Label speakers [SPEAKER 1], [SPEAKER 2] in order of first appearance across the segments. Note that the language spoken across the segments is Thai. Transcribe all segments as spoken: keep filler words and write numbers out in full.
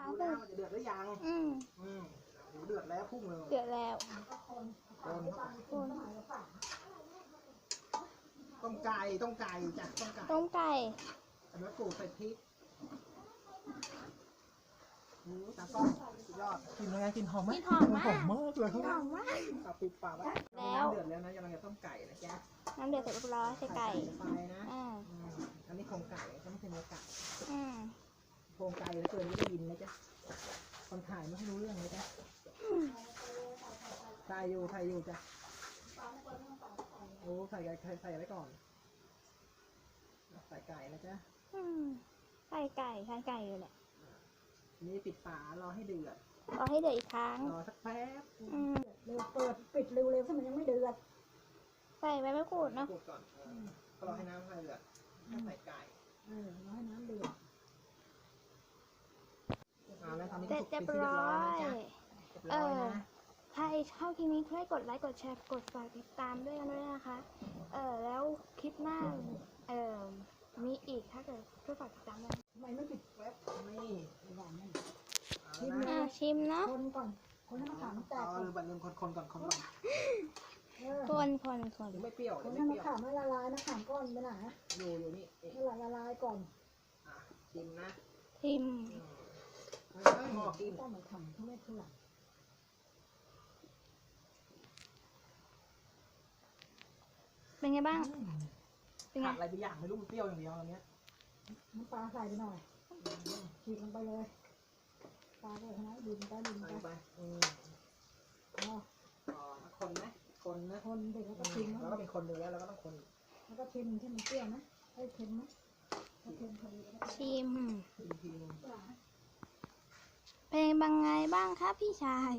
[SPEAKER 1] ดูแล้วมันจะเดือดหรือยัง
[SPEAKER 2] อืม
[SPEAKER 1] อืมเดือดแล้วพุ่งเลย
[SPEAKER 2] เดือดแล้ว
[SPEAKER 1] คน
[SPEAKER 2] คน
[SPEAKER 1] ต้มไก่ต้มไก่จ้ะต้มไก่
[SPEAKER 2] ต้มไก่
[SPEAKER 1] อันนี้ปลูกใส่พริกอืมตาก้อนสุดยอดกินยังไงกินหอมไหม
[SPEAKER 2] กินหอมมาก
[SPEAKER 1] หอมมากเลย
[SPEAKER 2] หอมมาก
[SPEAKER 1] ปลาปิดปากไว้
[SPEAKER 2] แล้ว
[SPEAKER 1] น้ำเดือดแล้วนะกำลังจะต้มไก่นะจ๊ะ
[SPEAKER 2] น้ำเดือดเสร็จเรียบร้อยใส่ไก่
[SPEAKER 1] ไปนะ
[SPEAKER 2] อ่า
[SPEAKER 1] อืมอันนี้โครงไก่ก็ไม่ใช่เนื้อไก่
[SPEAKER 2] อืม
[SPEAKER 1] โครงไก่แล้วเกินไม่ได้ยินนะจ๊ะคนถ่ายไม่ให้รู้เรื่องเลยจ๊ะถ่ายอยู่ถ่ายอยู่จ้ะโอ้ใส่ไก่ใส่ไว้ก่อนใส่ไก่นะจ๊ะ
[SPEAKER 2] อืมใส่ไก่ใส่ไก่อยู่เนี่ย
[SPEAKER 1] นี่ปิดฝารอให้เดือด
[SPEAKER 2] รอให้เดือดอีกครั้ง
[SPEAKER 1] รอสักแป๊บ
[SPEAKER 2] อืม
[SPEAKER 3] เร็วเปิดปิดเร็วๆถ้ามันยังไม่เดือด
[SPEAKER 2] ใส่ใบมะกรูดเนาะ
[SPEAKER 1] กดก่อนเออก็รอให้น้ำให้เดือดใส่ไก่
[SPEAKER 3] เออรอให้น้ำเดือด
[SPEAKER 1] เอาแล้วตอนนี้
[SPEAKER 2] เสร็จ
[SPEAKER 1] ก็
[SPEAKER 2] เรียบ
[SPEAKER 1] สุกเป็นที่
[SPEAKER 2] ร้อย
[SPEAKER 1] เรียบร้อยนะจ๊ะเรียบ
[SPEAKER 2] เอ
[SPEAKER 1] ร้อย
[SPEAKER 2] อ
[SPEAKER 1] นะ
[SPEAKER 2] ถ้าชอบคลิปนี้ช่วยกดไลค์กดแชร์กดฝากติดตามด้วยด้วยนะคะ เออแล้วคลิปหน้า เออมีอีกถ้าเกิดช่วยฝากติดตามด้วย
[SPEAKER 3] ทำไมไม่ปิด
[SPEAKER 1] แป๊บนี่
[SPEAKER 3] หวานนั่น
[SPEAKER 1] เอาแล้ว
[SPEAKER 2] อ่า
[SPEAKER 1] นะ
[SPEAKER 2] ชิมเนาะ
[SPEAKER 3] คนก่อนคนให้มะขามแตก
[SPEAKER 1] เอา
[SPEAKER 3] ก่อน
[SPEAKER 1] ลืมบัตรลืมคนคนก่อนคนก่อน
[SPEAKER 3] เออ
[SPEAKER 2] คนคนคน
[SPEAKER 1] หรือไม่เปรี้ยวห
[SPEAKER 3] ค
[SPEAKER 1] รื
[SPEAKER 3] น
[SPEAKER 1] อ
[SPEAKER 3] ให้
[SPEAKER 1] ไม่
[SPEAKER 3] มะ
[SPEAKER 1] เปรี้ยว
[SPEAKER 3] ขามให้ละลายมะขามก้อนไปไหน
[SPEAKER 1] อยู่อยู่นี่เอ๊ะ
[SPEAKER 3] ให้ละละลายก่อน
[SPEAKER 1] อ่ะชิมนะ
[SPEAKER 2] ชิม
[SPEAKER 1] อืมเฮ้ยหม้อกิน
[SPEAKER 3] ต้องมาทำทุเรศทุลัง
[SPEAKER 2] เป็นไงบ้าง
[SPEAKER 1] อืม
[SPEAKER 2] เป็นไง
[SPEAKER 1] ขาดอะไรไปอย่างไม่รู้มันเปรี้ยวอย่างเดียวตอนเนี้ย
[SPEAKER 3] น้ำปลาใส่ไปหน่อยฉีกลงไปเลยปลาเลยนะดินไปดิน
[SPEAKER 1] ใส่
[SPEAKER 3] ไป
[SPEAKER 1] ไปอืม
[SPEAKER 3] อ๋อ
[SPEAKER 1] อ๋อคนไหมคนนะ
[SPEAKER 3] คนเด็กแล้วก็
[SPEAKER 1] อื
[SPEAKER 3] ชิม
[SPEAKER 1] มแล้วก็เป็นคนหนึ่งแล้วเราก็ต้องคนอีก
[SPEAKER 3] แล้วก็ชิมที่มันเปรี้ยวนะไอ้เค็มนะถ้าเค็มพอดีแล้วก็
[SPEAKER 2] ชิม
[SPEAKER 1] อีกทีหนึง
[SPEAKER 3] ปลา
[SPEAKER 2] เป็นบางไงบ้างครับพี่ชาย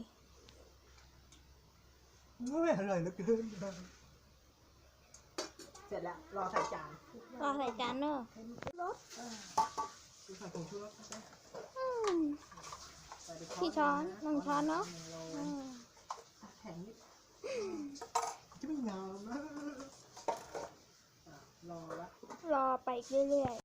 [SPEAKER 1] ไม่อร่อยเหลือเกินเสร็จแล้วรอใส่จาน
[SPEAKER 2] รอใส่จานเนอะ
[SPEAKER 3] เค็มรสเออ
[SPEAKER 1] ดูใส่ผงชูรสนะจ๊ะ
[SPEAKER 2] อืม
[SPEAKER 1] ใส่ไป
[SPEAKER 2] กี่ช้อน
[SPEAKER 1] หนึ่ง
[SPEAKER 2] หนึ่งช้อนเนอะ
[SPEAKER 1] หงโล
[SPEAKER 2] อืม
[SPEAKER 1] แข็งนิดจะไม่งามนะอ่ะรอละ
[SPEAKER 2] รอไปเรื่อยๆ